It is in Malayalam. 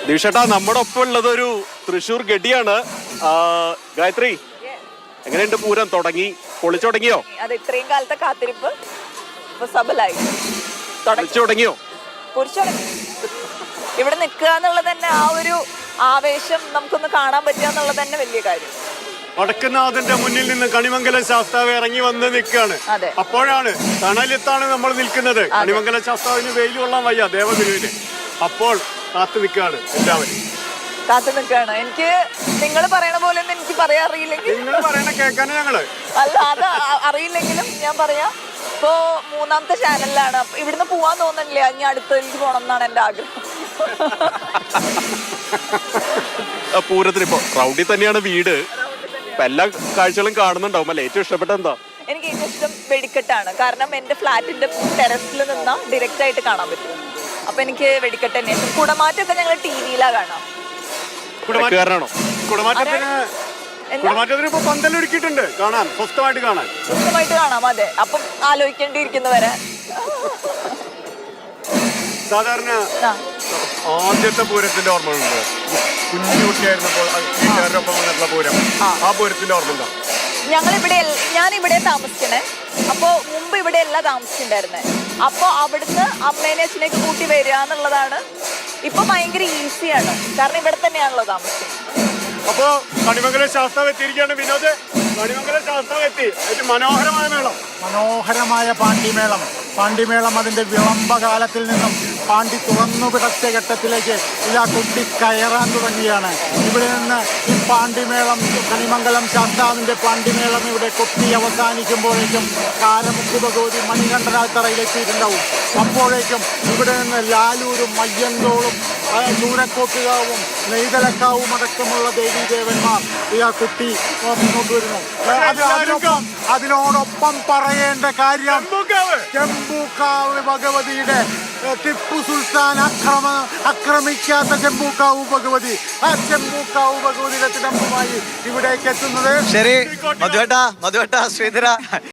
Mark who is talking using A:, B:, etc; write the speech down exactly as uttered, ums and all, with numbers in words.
A: ദിവിഷേട്ടാ, നമ്മുടെ ഒപ്പം ഉള്ളത് ഒരു തൃശ്ശൂർ ഗഡിയാണ്. ഗായത്രി, എങ്ങനെയുണ്ട് പൂരം? തുടങ്ങി പൊളിച്ചു തുടങ്ങിയോ?
B: അത് ഇത്രയും കാലത്തെ കാത്തിരിപ്പ് സബലായി
A: തുടങ്ങിയോ?
B: ഇവിടെ നിൽക്കുക എന്നുള്ളത് തന്നെ ആ ഒരു ആവേശം നമുക്കൊന്ന് കാണാൻ പറ്റുക എന്നുള്ളത് തന്നെ വലിയ കാര്യം.
C: വടക്കുന്നാഥന്റെ മുന്നിൽ നിന്ന് കണിമംഗലം ശാസ്താവ് ഇറങ്ങി വന്ന് നിൽക്കുകയാണ്. അപ്പോഴാണ് തണലത്താണ് നമ്മൾ നിൽക്കുന്നത്. കണിമംഗലം ശാസ്താവിന് വെയിൽ കൊള്ളാൻ വയ്യ ദേവഗുരുവിന്. അപ്പോൾ കാത്തു നിൽക്കുകയാണ്, എല്ലാവരും
B: കാത്തു നിൽക്കുകയാണ്. എനിക്ക് നിങ്ങൾ പറയണ പോലെ ഒന്നും എനിക്ക് പറയാൻ അറിയില്ലെങ്കിൽ
C: നിങ്ങൾ പറയണ കേൾക്കാനും ഞങ്ങള്
B: അല്ല അത് അറിയില്ലെങ്കിലും ഞാൻ പറയാം. ഇപ്പോ മൂന്നാമത്തെ ചാനലിലാണ്. ഇവിടുന്ന് പോവാൻ തോന്നുന്നില്ല. ഇനി അടുത്തേക്ക് പോകണം എന്നാണ് എന്റെ ആഗ്രഹം.
A: പൂരത്തിന് ഇപ്പൊ റൗഡി തന്നെയാണ് വീട്. എല്ലാ കാഴ്ചകളും കാണുന്നുണ്ടാവും അല്ലെ? ഏറ്റവും ഇഷ്ടപ്പെട്ട എന്താ?
B: എനിക്ക് ഏറ്റവും ഇഷ്ടം വെടിക്കെട്ടാണ്. കാരണം എന്റെ ഫ്ലാറ്റിന്റെ ടെറസിൽ നിന്നാ ഡയറക്റ്റ് ആയിട്ട് കാണാൻ പറ്റും. അപ്പൊ എനിക്ക് വെടിക്കെട്ട് തന്നെയാണ്. കുടമാറ്റമൊക്കെ ഞങ്ങൾ ടി വിയിലാ കാണാം.
A: കുടമാറ്റക്കാരനാണോ?
C: കുടമാറ്റത്തിന് കുടമാറ്റത്തിന് ഇപ്പൊ പന്തലൊരുക്കിയിട്ടുണ്ട്, കാണാൻ സ്വസ്ഥമായിട്ട് കാണാൻ
B: സ്വസ്ഥമായിട്ട് കാണാം. അതെ, അപ്പം ആലോചിക്കേണ്ടിയിരിക്കുന്നവരെ.
C: സാധാരണ ആദ്യത്തെ പൂരത്തിന്റെ ഓർമ്മകളുണ്ട്. കുഞ്ഞുകുട്ടിയായിരുന്നപ്പോൾ വീട്ടുകാരോടൊപ്പം വന്നിട്ടുള്ള പൂരം, ആ പൂരത്തിന്റെ ഓർമ്മ എന്താ?
B: ഞങ്ങളിവിടെ ഞാൻ ഇവിടെ താമസിക്കണേ. അപ്പോൾ മുമ്പ് ഇവിടെ അല്ല താമസിച്ചിട്ടുണ്ടായിരുന്നേ. അപ്പോൾ അവിടുന്ന് അമ്മേനെ അച്ഛനേക്ക് കൂട്ടി വരിക എന്നുള്ളതാണ് ഇപ്പൊ ഭയങ്കര ഈസിയാണ്. കാരണം ഇവിടെ തന്നെയാണല്ലോ താമസിക്കുന്നത്.
C: അപ്പോ കണിമംഗലം ശാസ്താവ് എത്തിയിരിക്കുകയാണ്. വിനോദ്, കണിമംഗലം ശാസ്താവ് എത്തി. ഏറ്റവും മനോഹരമായ മേളം,
D: മനോഹരമായ പാണ്ടിമേളം. പാണ്ടിമേളം അതിൻ്റെ വിളംബകാലത്തിൽ നിന്നും പാണ്ടി തുറന്നു പിടച്ച ഘട്ടത്തിലേക്ക് ഇതാ കുട്ടി കയറാൻ തുടങ്ങിയാണ്. ഇവിടെ നിന്ന് ഈ പാണ്ടിമേളം, കണിമംഗലം ശാസ്താവിൻ്റെ പാണ്ടിമേളം ഇവിടെ കൊട്ടി അവസാനിക്കുമ്പോഴേക്കും കാരമുക്ക് ഭഗവതി മണികണ്ഠനാത്തറയിലെത്തിയിട്ടുണ്ടാവും. അപ്പോഴേക്കും ഇവിടെ നിന്ന് ലാലൂരും മയ്യന്തോളും ചൂരക്കോട്ടുകാവും നെയ്തലക്കാവും അടക്കമുള്ള ദേവീദേവന്മാർ ഈ ആ കുട്ടി മുന്നോട്ട് വരുന്നു. അതിനോടൊപ്പം അതിനോടൊപ്പം പറയേണ്ട കാര്യം ചെമ്പൂക്കാവ് ഭഗവതിയുടെ ടിപ്പു സുൽത്താൻ അക്രമ ആക്രമിക്കാത്ത ചെമ്പൂക്കാവ് ഭഗവതി, ആ ചെമ്പൂക്കാവ് ഭഗവതിയുടെ തിടമ്പുമായി ഇവിടേക്ക് എത്തുന്നത്.
E: ശരി, മധുവേട്ട മധുവേട്ട ശ്രീധര